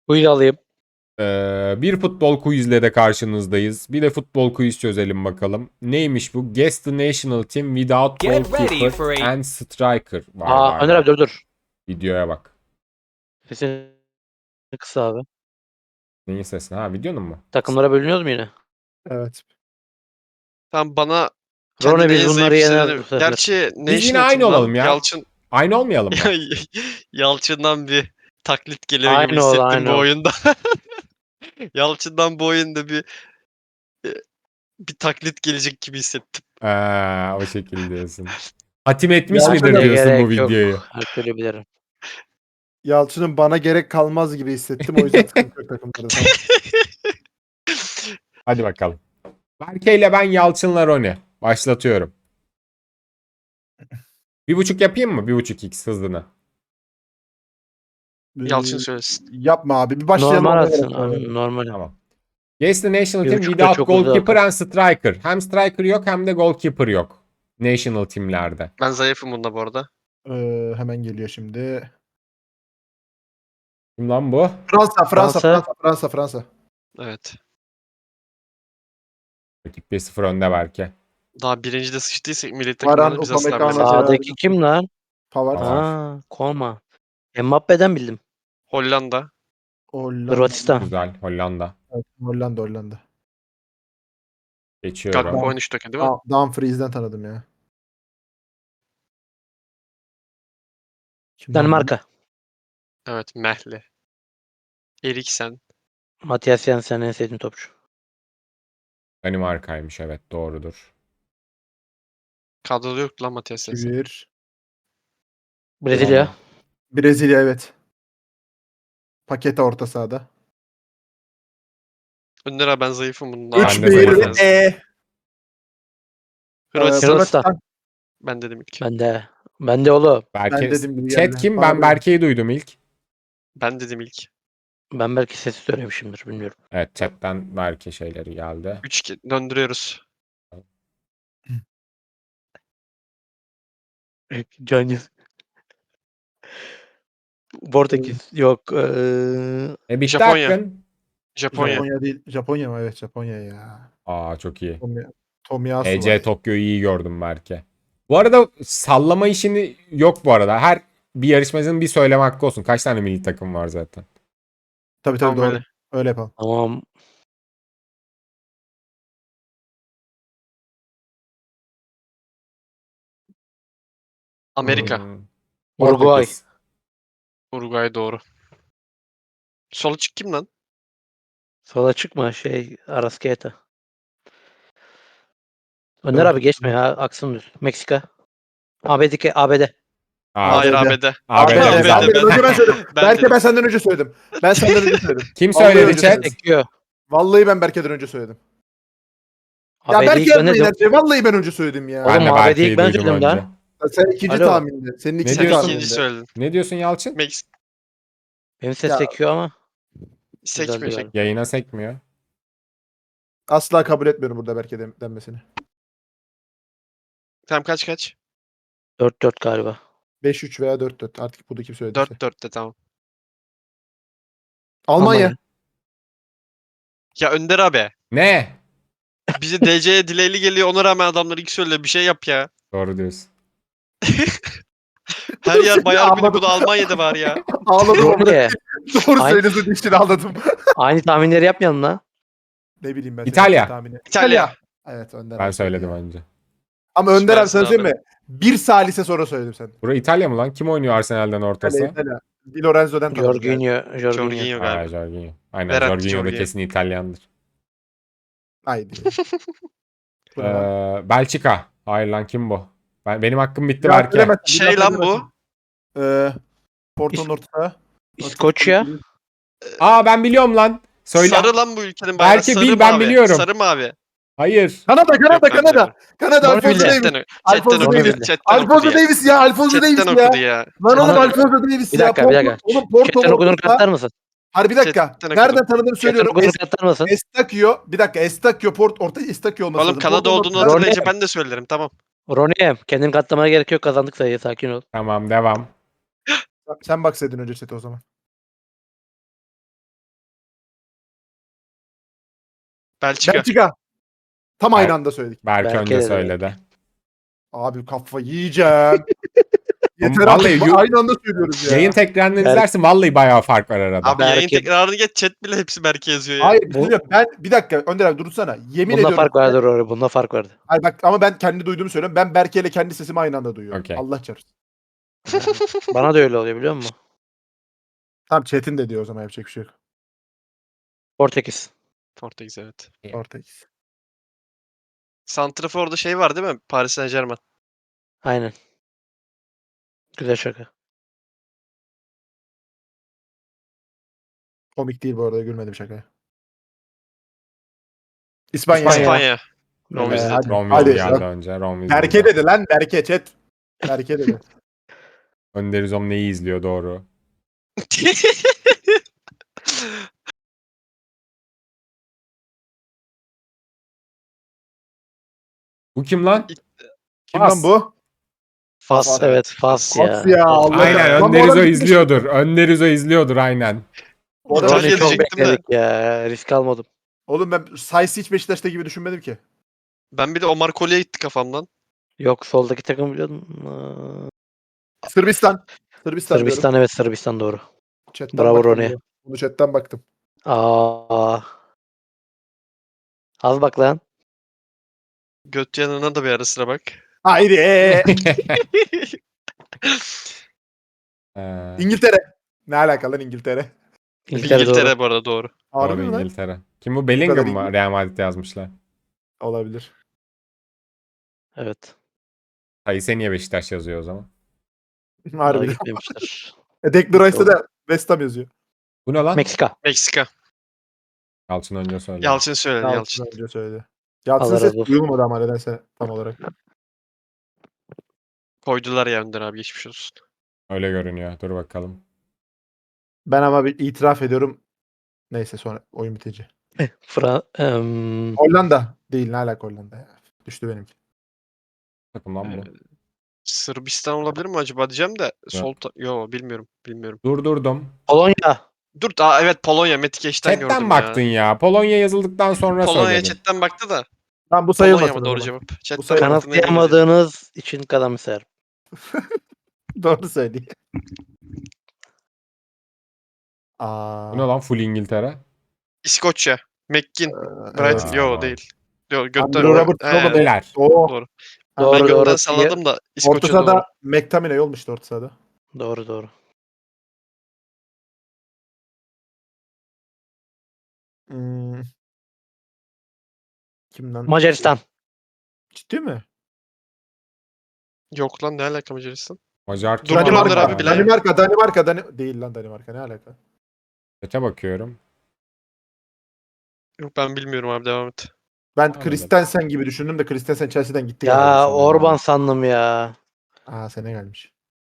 Buyur alayım. Bir futbol quizle de karşınızdayız. Bir de futbol quiz çözelim bakalım. Neymiş bu? Guess the national team without Get ready goalkeeper for a- and striker. Vay Önder vay. abi dur. Videoya bak. Sesini kısa abi. Neyin sesini? Ha, videonun mu? Takımlara bölünüyoruz mu yine? Evet. Tam bana Rone kendine biz en bunları zayıf yeneriz hissedeni... bu sefer. Gerçi Biz yine National aynı Team lan. olalım ya. Yalçın... Aynı olmayalım mı? Yalçın'dan bir taklit geliyor gibi Aynı ol, hissettim aynı bu ol. oyunda. Yalçın'dan bu oyunda bir taklit gelecek gibi hissettim. O şekilde diyorsun. Hatim etmiş Ya, midir şöyle diyorsun bu Gerek yok. videoyu? Her türlü bilirim. Yalçın'ın bana gerek kalmaz gibi hissettim. O yüzden sıkıntı yok takımlarda. Tamam. Hadi bakalım. Berke ile ben Yalçın'la Roni. Başlatıyorum. 1.5 yapayım mı? 1.5x hızlına. Yalçın söylesin. Yapma abi. Bir başlayalım. Normal ona atsın göre abi. Normal. Tamam. Guess the national team 1.5 da without çok uzak. goalkeeper and striker. Hem striker yok hem de goalkeeper yok. National teamlerde. Ben zayıfım bunda bu arada. Hemen geliyor şimdi. Kim lan bu? Fransa. Evet. Rakip 1-0 önde belki. Daha birincide sıçtıysak milli Varan, takımlarını biz asla Upamecano, bilemeyiz. Gerard. Sağdaki kim lan? Pavard. Pavard. Aa, Koma. Mbappe'den bildim. Hollanda. Hollanda. Hırvatistan. Güzel. Hollanda. Evet, Hollanda. Geçiyorum. Gakpo oynamıştı değil mi? Dumfries'den tanıdım ya. Kim lan bu? Danimarka. Evet. Mehli. Eriksen. Matias Jensen en sevdiğim topçu. Danimarka'ymış, evet, doğrudur. Kadroda yoktu lan Matias Jensen. Çevir. Brezilya. Brezilya evet. Paketa orta sahada. Önder abi ben zayıfım bunda. Ben de zayıfım. 3-1. Hırvatistan. Hırvatistan. Ben dedim ilk. Ben de oğlum. Berke, Ben dedim gibi chat geldi. kim? Bana Ben böyle. Berke'yi duydum ilk. Ben dedim ilk. Ben belki sesi söylemişimdir bilmiyorum. Evet, chatten Berke şeyleri geldi. 3 döndürüyoruz. Can Portekiz. Yok. Bitti Japonya. hakkın. Japonya. Japonya değil. Japonya mı? Evet Japonya ya. Çok iyi. Tomiyasu EC var. Tokyo'yu iyi gördüm Berke. Bu arada sallama işini yok bu arada. Her bir yarışmacının bir söyleme hakkı olsun. Kaç tane milli takım var zaten? Tabii Tamam, doğru. öyle. Öyle yapalım. Tamam. Amerika. Uruguay. Portekiz. Uruguay doğru. Sol açık kim lan? Sola çıkma Arrascaeta. Önder abi geçme ya. Aksın düz. Meksika. ABD. Hayır ABD. ABD. ABD. Önce ben söyledim. Ben Berke dedim. ben senden önce söyledim. Ben senden önce söyledim. Kim Vallahi söyledi önce chat? söyledim. Sekiyor. Vallahi ben Berke'den önce söyledim. Ya ABD'yi Berke ilk ben yapmayın dedim. her şeyi. Vallahi ben önce söyledim ya. Oğlum, Ben de ABD'yi Berke'yi ilk ben duydum söyledim önce. lan. Sen ikinci Alo. tahminde. Senin ikinci Sen diyorsun? tahminde. ikinci söyledin. Ne diyorsun Yalçın? Benim ses Ya. sekiyor ama. Sekmiyor Güzeldi sekmiyor. Yayına sekmiyor. Asla kabul etmiyorum burada Berke denmesini. Tamam kaç? 4-4 galiba. 5-3 veya 4-4. Artık burada kim söylediyse. 4-4'te tamam. Almanya. Ya Önder abi. Ne? Bize DC'ye dileyli geliyor ona rağmen adamlar ilk söyle bir şey yap ya. Doğru diyorsun. Her yer Bayern Münih Anladım. bu da Almanya'da var ya. Ağladım orada. Rone. Doğru Aynı- söylüyorsun işte ağladım. Aynı tahminleri yapmayalım lan. Ne bileyim ben. İtalya. senin tahmini. İtalya. Evet Önder Ben abi söyledim ya. önce. Ama Önder abi Süpersin sana söyleyeyim abi. mi? Bir salise sonra söyledim sen. Bura İtalya mı lan? Kim oynuyor Arsenal'den ortası? İtalya. Di Lorenzo'dan tanıdım yani. Jorginho. Jorginho Aa, galiba. Jorginho. Aynen, Verratti, Jorginho da Jorginho. kesin İtalyandır. Haydi. Bu ne lan? Belçika. Hayır lan, kim bu? Benim hakkım bitti Ya Berke. söylemezsin, bir Şey daha lan bu. söylemezsin. Porto'nun orta. İskoçya. Ben biliyorum lan. Söyle. Sarı lan bu ülkenin bayrağı. Belki Sarı bil, ben mavi. biliyorum. Sarı mavi. Hayır. Kanada. Yok, ben Kanada biliyorum. Alfonso Davies. Chatten Alfonso okudu. Davies. Chatten okudu Alfonso ya. Davies ya. Alfonso Davies Chatten ya. okudu ya. Lan oğlum Kanada- Alfonso Davies Bir ya. dakika. Oğlum Porto Chatten okuduğunu orta. katlar mısın? Harbi bir dakika. Chatten okudum. Nereden tanıdığımı Chatten söylüyorum. okuduğunu katlar mısın? Estakio. Bir dakika. Estakio. Orta Estakio olması Oğlum lazım. Kanada Porto'nun olduğunu orta- hatırlayınca ben de söylerim tamam. Ronnie kendini katlamana gerek yok, kazandık sayıyı, sakin ol. Tamam, devam. Sen baksaydın önce chat'e o zaman. Belçika. Belçika. Tam aynı anda söyledik. Berke Berke önce dedi söyledi. Abi kafa yiyeceğim. Yeter Vallahi artık. Aynı anda söylüyoruz ya. Yayın tekrarını Berke- izlersin vallahi bayağı fark var arada. Abi yayın Belki- tekrarını geç, chat bile hepsi Berke yazıyor ya. Hayır bir Bu- şey diyeyim. Ben bir dakika Önder abi dursana. Yemin Bunda ediyorum. fark vardır orada. Bunda fark vardı. Hayır bak ama ben kendi duyduğumu söylüyorum. Ben Berke ile kendi sesimi aynı anda duyuyorum. Okey. Allah çarpsın. Bana da öyle oluyor biliyor musun? Tamam chat'in de diyor o zaman yapacak bir şey yok. Portekiz. Portekiz evet. Ortayız. Santrafor'da şey var değil mi? Paris Saint-Germain. Aynen. Güzel şaka. Komik değil bu arada gülmedim şakaya. İspanya. İspanya. İspanya. Romeo Evet. izledi. hadi. Romeo Hadi. geldi önce. Romeo Berke izledi. dedi lan Berke chat. Berke dedi. Önder İzom neyi izliyor doğru. Bu kim lan? Kim Fas. lan bu? Fas, Fas, evet. evet. Fas ya. Fas ya. Allah Aynen Lan bu Önder adam İzo gitmiş. izliyordur. Önder İzo izliyordur aynen. Bu adam- Ronnie İtalya çok diyecektim de. bekledik ya. Risk almadım. Oğlum ben Sayıs hiç Beşiktaş'ta gibi düşünmedim ki. Ben bir de Omar Kolye'ye gitti kafamdan. Yok soldaki takım biliyordum. Sırbistan. Sırbistan diyorum. Sırbistan, evet, Sırbistan doğru. Chat'ten Bravo baktım Ronnie. bunu. Bunu chat'ten baktım. Aa. Az bak lan. Göt yanına da bir ara sıra bak. Haydi. Ee, İngiltere. Ne alakalı lan İngiltere? İngiltere, İngiltere doğru. bu arada doğru. Harbi doğru mi lan? İngiltere. Kim bu? Bellingham kadar mı? Real Madrid'de yazmışlar. Olabilir. Evet. Sayıse niye Beşiktaş yazıyor o zaman? Daha Harbiden. gitmemişler. Declan Rice'da da West Ham yazıyor. Bu ne lan? Meksika. Meksika. Yalçın önce söyledi. Yalçın söyledi Yalçın Yalçın. önce söyledi. Yalçın Allah ses razı olsun. duyulmadı ama nedense tam olarak. Koydular ya Önder abi geçmiş olsun. Öyle görünüyor. Dur bakalım. Ben ama bir itiraf ediyorum. Neyse sonra oyun bitince. Hollanda değil ne alaka Hollanda ya. Düştü benimki. Takımdan bu. Sırbistan olabilir mi acaba diyeceğim de yo bilmiyorum. Bilmiyorum. Durdurdum. Polonya. Dur evet Polonya Metikeş'ten gördüm Chatten baktın ya. ya. Polonya yazıldıktan sonra Polonya söyledin. chatten baktı da. Tamam bu Polonya sayılmasın. mı o doğru zaman. cevap? Chatten sayılmaz. baktığına eminim. Kanıtlayamadığınız için kalamser. Doğru söyleyeyim. Bu Aa. ne lan? Full İngiltere. İskoçya. McGinn. Evet. Brighton. Yo Tamam. değil. Yo götten. Andrew Roberts He, Robert. Beyler. Oo. Doğru. Doğru, Ben götten doğru. salladım da Orta İskoçya doğru. sahada McTominay olmuştu orta sahada. Doğru, doğru. Hmm. Kimden? Macaristan. Ciddi mi? Yok lan ne alaka Macaristan? Macar Dur, dur, Önder abi, bilen- Danimarka. Değil lan Danimarka ne alaka? Chat'e bakıyorum. Yok ben bilmiyorum abi devam et. Ben Anladım. Christensen gibi düşündüm de Christensen Chelsea'den gitti galiba Ya sanırım. Orban sandım ya. Aa sene gelmiş.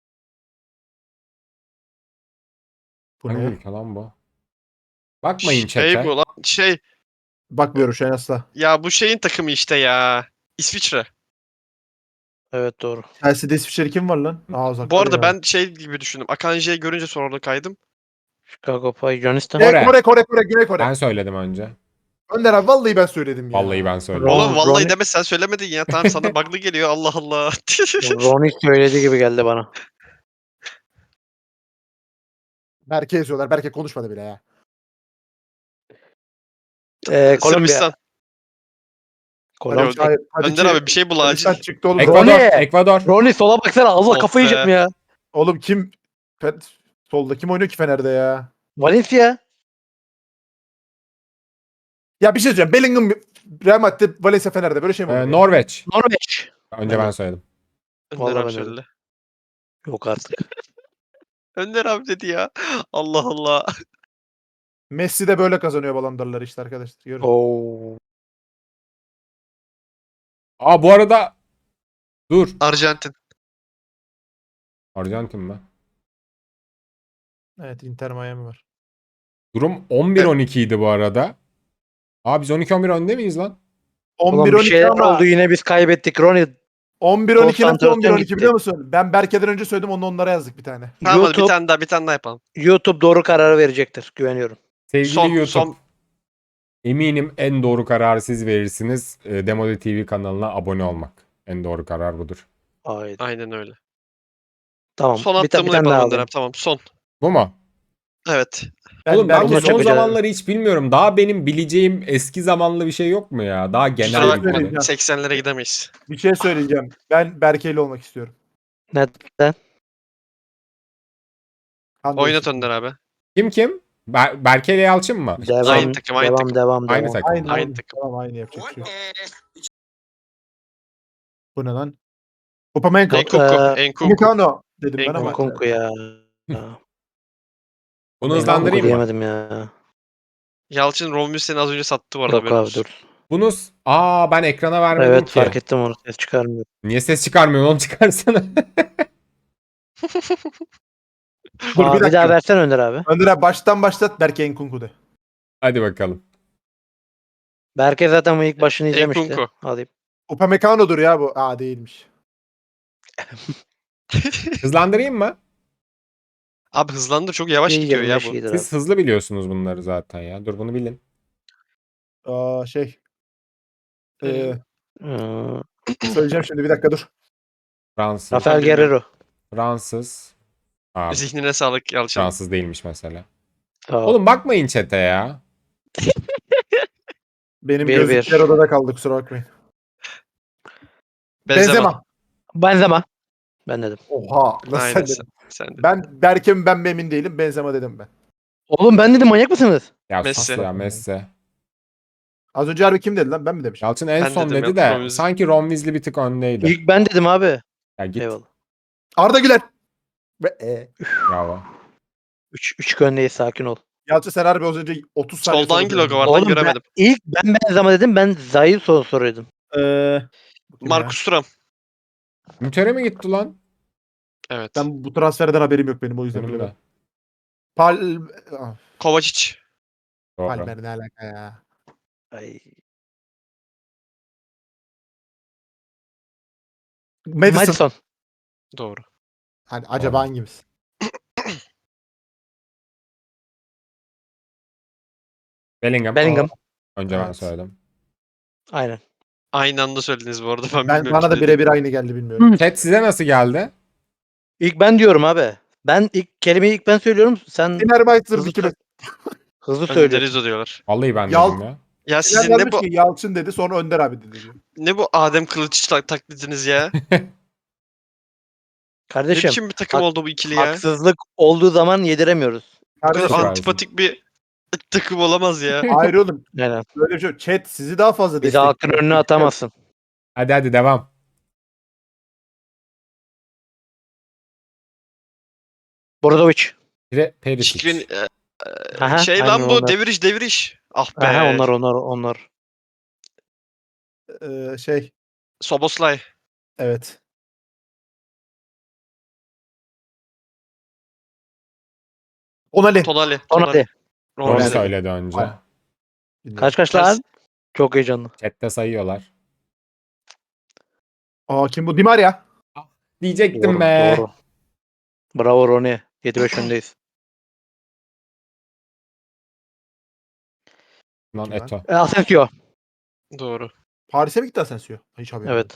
Bu Hangi ne? ülke lan bu? Bakmayın Şey chat'e. bu lan Bakmıyorum şu an asla. ya bu şeyin takımı işte ya. İsviçre. Evet, doğru. Chelsea'de İsviçreli kim var lan? Aa uzak. Bu arada ben şey gibi düşündüm. Akanji'yi görünce sonra kaydım. Chicago Fire, Yunanistan. Kore. Kore, Güney Kore. Ben söyledim önce. Önder abi vallahi ben söyledim ya. Vallahi ben söyledim. Oğlum vallahi Ronnie- deme sen söylemedin ya. Tamam sana bug'lı geliyor Allah Allah. Ronnie söylediği gibi geldi bana. Berke yazıyorlar. Berke konuşmadı bile ya. Kolombiya. Sırbistan. Kolombiya. Yok, Önder abi bir şey bul acil. Sen çıktı oğlum. Ekvador. Ronnie! Ekvador. Ronnie sola baksana. Allah Of kafayı be. yiyeceğim ya. Oğlum kim? Solda kim oynuyor ki Fener'de ya? Valencia. Ya bir şey söyleyeceğim. Bellingham Real Madrid, Valencia Fener'de böyle şey mi oluyor? ya? Norveç. Norveç. Önce ben söyledim. Önder Vallahi abi ben de söyle. Yok artık. Önder abi dedi ya. Allah Allah. Messi de böyle kazanıyor Ballon d'Or'ları işte arkadaşlar. Görün. Oo. Aa bu arada dur. Arjantin. Arjantin mi? Evet Inter Miami var. Durum 11-12 idi bu arada. Aa biz 12-11 önde miyiz lan? Ulan bir 11-12 şeyler ama oldu yine biz kaybettik. Ronnie 11-12 nasıl Konsantrasyon 11-12 gitti. biliyor musun? Ben Berke'den önce söyledim onu onlara yazdık bir tane. Tamam hadi YouTube- bir tane daha yapalım. YouTube doğru kararı verecektir. Güveniyorum. Sevgili Son- YouTube. son- Eminim en doğru kararı siz verirsiniz. Demode TV kanalına abone olmak. En doğru karar budur. Haydi. Aynen öyle. Tamam. Son Bir attığımı tane daha yapalım Önder alayım. abi. Tamam son. Bu mu? Evet. Oğlum ben bu Bununla son çok acayip. zamanları hiç bilmiyorum. Daha benim bileceğim eski zamanlı bir şey yok mu ya? Daha genel Kusura bir bakma. konu. söyleyeceğim. 80'lere gidemeyiz. Bir şey söyleyeceğim. Ben Berke'yle olmak istiyorum. Neden? Han Oynat değiştirdim. Önder abi. Kim? Berke ile Yalçın mı? Devam. Aynı takım, aynı takım. Devam. Aynı takım. Aynı, Aynı aynı. takım. Tamam aynı yapacak bir şey yok. Bu ne lan? Upamecano. Yok, Enkuku. Enkuku. Upamecano dedim ben ama. Nkunku ya. Bunu hızlandırayım mı? Diyemedim ya. Yalçın Romulus seni az önce sattı bu arada. Yok haberin abi olsun. dur. Bunu ben ekrana vermedim Evet ki. fark ettim onu. Ses çıkarmıyor. Niye ses çıkarmıyorsun oğlum, çıkarsana. Dur bir Bir dakika. daha versen Önder abi. Önder abi baştan başlat Berke Nkunku de. Hadi bakalım. Berke zaten bu ilk başını izlemişti. Nkunku. Alayım. Upamecano'dur ya bu. Aa değilmiş. Hızlandırayım mı? Abi hızlandır, çok yavaş gidiyor ya 25 bu. iyidir abi. Siz hızlı biliyorsunuz bunları zaten ya. Dur bunu bilin. Aa şey. Ee, Ee, söyleyeceğim şimdi bir dakika dur. Fransız. Rafael bilmiyorum. Guerrero. Fransız. Abi, Zihnine sağlık Yalçın. Fransız değilmiş mesela. Sağ ol. Oğlum bakmayın chat'e ya. Benim Bir, gözlükler bir. odada kaldı kusura bakmayın. Benzema. Benzema. Benzema. Ben dedim. Oha. Nasıl Aynen sen sen, dedin? sen de. Ben emin değilim. Benzema dedim ben. Oğlum ben dedim manyak mısınız? Ya Messi. sus ya Messi. Az önce harbi kim dedi lan? Ben mi demişim? Yalçın en Ben son dedim dedi ya, de Ron Weasley. sanki Ron Weasley bir tık öndeydi. İlk ben dedim abi. Ya git. Eyvallah. Arda Güler. Bravo. 3 öndeyiz sakin ol. Yalçın sen harbi az önce 30 saniye Solda sonra hangi logo dedin. var lan, Oğlum göremedim. ilk ben Benzema dedim. Ben Zayı soruyordum. Bu kim ya? Marcus Thuram. Mütere mi gitti lan? Evet. Ben bu transferden haberim yok benim o yüzden Benim de. bilemedim. Ah, Kovacic. Doğru. Palmer ne alaka ya? Ay. Madison. Madison. Doğru. Hani acaba Doğru. hangimiz? Bellingham. Önce ben Evet. söyledim. Aynen. Aynı anda söylediniz bu arada. Ben Ben bilmiyorum bana da ki birebir aynı geldi bilmiyorum. Chat size nasıl geldi? İlk ben diyorum abi. Ben kelimeyi ilk ben söylüyorum. Sen Fenerbahçe hızlı, dikime. hızlı Önder söylüyorsun. İzo diyorlar. Vallahi ben Yal- dedim ya. Ya Sizin sizin ne bu Yalçın dedi sonra Önder abi dedi diyor. ne bu Adem Kılıç taklidiniz ya? Ne Kardeşim biçim bir takım hak- oldu bu ikili ya? haksızlık olduğu zaman yediremiyoruz. Bu kadar Kardeşim, Çok antipatik bir takım olamaz ya. hayır oğlum. Aynen. Böyle bir şey yok. Chat sizi daha fazla Bizi halkın önüne atamazsın. Hadi devam. Brozovic. Perisic. Şikrin Aha, şey aynen lan bu onlar. deviriş. Ah be. Aha, onlar. Şey Soboslay. evet. Onali. Tonali. Tonali. Onu Ronaldo. söyledi önce. Aynen. Kaç lan? Çok heyecanlı. Chat'te sayıyorlar. Aa kim bu? Di Maria. Diyecektim be. Doğru. Bravo Roni. 7-5 öndeyiz. Lan Kim lan? Eto. Asensio. Doğru. Paris'e mi gitti Asensio? Hiç haberim yok. Evet.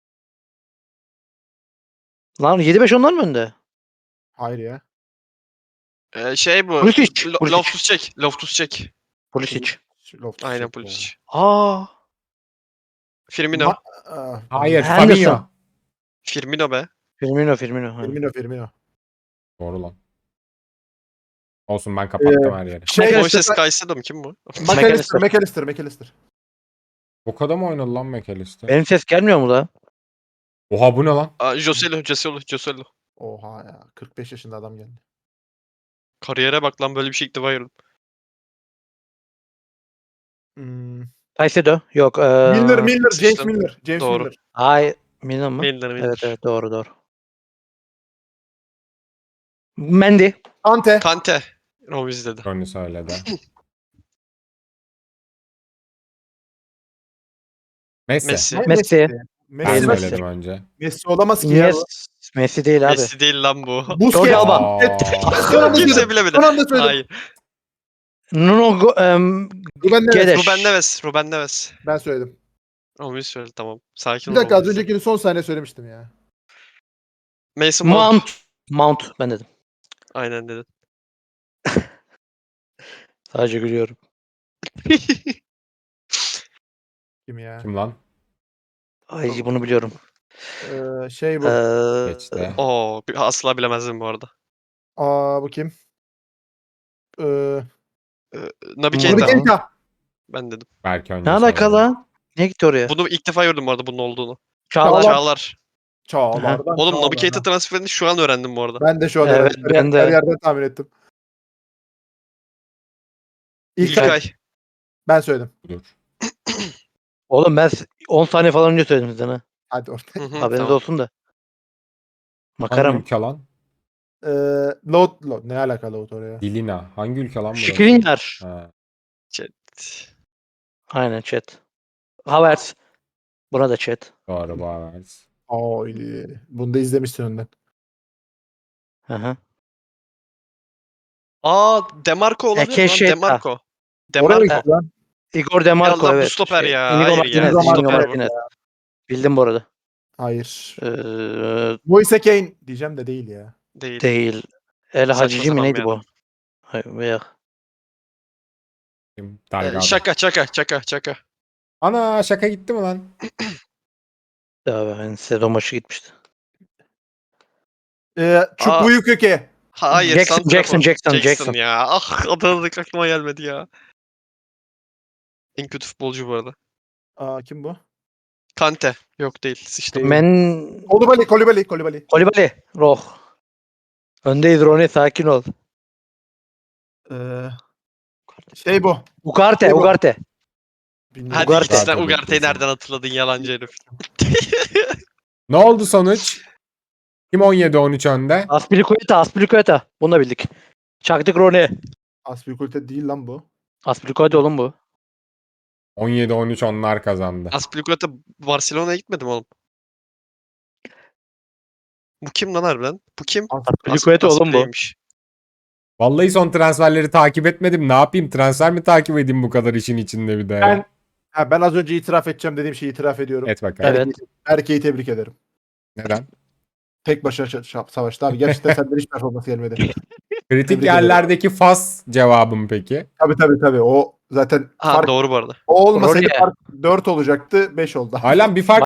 Lan 7-5 onlar mı önde? Hayır ya. Şey bu. Pulisic. Loftus-Cheek. Pulisic. Loftus Aynen Cheek. Pulisic. Aa. Firmino. Hayır, Henderson. Fabinho. Firmino be. Firmino. Ha. Firmino. Doğru lan. Olsun ben kapattım her yeri. Şey, Moises Caicedo mu? Kim bu? McAllister. Bu kadar mı oynadı lan McAllister? Benim ses gelmiyor mu da? Oha bu ne lan? Joselu. Oha ya. 45 yaşında adam geldi. Kariyere bak lan, böyle bir şey ilk defa gördüm. Caicedo. Yok. Milner. James sıçtım. Milner. Doğru. Milner. Hayır. Milner mı? Milner. Evet doğru. Mendy. Kante. Romiz dedi. Ronnie söyledi. Messi. Messi. Ben Messi. söyledim önce. Messi olamaz ki ya. Messi değil abi. Messi değil lan bu. Busquets. Jordi Alba. Aa. Son anda Kimse söyledim. bilemedi. Son anda söyledim. Hayır. Nuno Ruben Neves. Gedeş. Ruben Neves. Ruben Neves. Ben söyledim. Onu söyle tamam. Sakin Bir ol. dakika az Romulus. öncekini son saniye söylemiştim ya. Mason Mount. Mount ben dedim. Aynen dedin. Sadece gülüyorum. Kim ya? Kim lan? Ay bunu biliyorum. Şey bu. Geçti. Oo, asla bilemezdim bu arada. Bu kim? Naby Naby Naby Keita. Keita. Ben dedim. Belki önce Ne alaka soralım. lan? Niye gitti oraya? Bunu ilk defa gördüm bu arada bunun olduğunu. Çağlar. Çağlar. Çağlar'dan. Oğlum Naby Çağlar'dan. Keita transferini şu an öğrendim bu arada. Ben de şu an Evet, öğrendim. ben de. Her yerden tahmin ettim. İlkay. Ben söyledim. Budur. Oğlum ben 10 saniye falan önce söyledim sizden ha. Hadi orada. Hı hı, Haberiniz tamam. olsun da. Hangi Makaram. ülke lan? Load. Ne alaka Load oraya? Dilina. Hangi ülke lan burası? Şikrinyar. Ha. Aynen chat. Havertz. Buna da chat. Doğru Havertz. Bunu da izlemişsin önden. Aha. Demarco olabilir mi lan? Keşeta. Demarco. Oraya Demarco. gitti lan. Igor Demarco Allah, bu evet. stoper ya. Inigo Hayır ya. Martinez. Inigo Inigo Martinez. Martinez. Bildim bu arada. Hayır. Moise Moise Kean diyeceğim de değil ya. Değil. değil. El Saçma Hacici mi sapan neydi bir bu? adam. Hayır, veya. Kim? Delgado. Çaka. Ana şaka gitti mi lan? Ya ben sezon maçı gitmişti. Çubuyu köke. Hayır. Jackson, Santrafor. Jackson. ya. Ah, adını aklıma gelmedi ya. En kötü futbolcu bu arada. Kim bu? Kante. Yok değil. Sıçtım. Değil. Men Kolibali. Kolibali. Roh. Öndeyiz Roni sakin ol. Şey bu. Ugarte. Kim bu? Ugarte. Bilmiyorum. Hadi Ugarte. git sen Ugarte Ugarte'yi kesin. nereden hatırladın yalancı herif. Ne oldu sonuç? Kim 17-13 önde? Aspilicueta. Bunu da bildik. Çaktık Roni. Aspilicueta değil lan bu. Aspilicueta oğlum bu. 17-13 onlar kazandı. Aspilicueta Barcelona'ya gitmedi mi oğlum? Bu kim lan harbiden? Bu kim? Aspilicueta oğlum bu. Aspili'ymiş. Vallahi son transferleri takip etmedim. Ne yapayım? Transfer mi takip edeyim bu kadar işin içinde bir de? Ben az önce itiraf edeceğim dediğim şeyi itiraf ediyorum. Et bakalım. Evet. Erkeği tebrik ederim. Neden? Tek başına savaştı abi. Gerçekten senden hiç performans gelmedi. Kritik Tebrik yerlerdeki fas cevabım peki? Tabii. O zaten Ha fark doğru bu arada. o olmasaydı Rooney. fark 4 olacaktı 5 oldu. Halen bir fark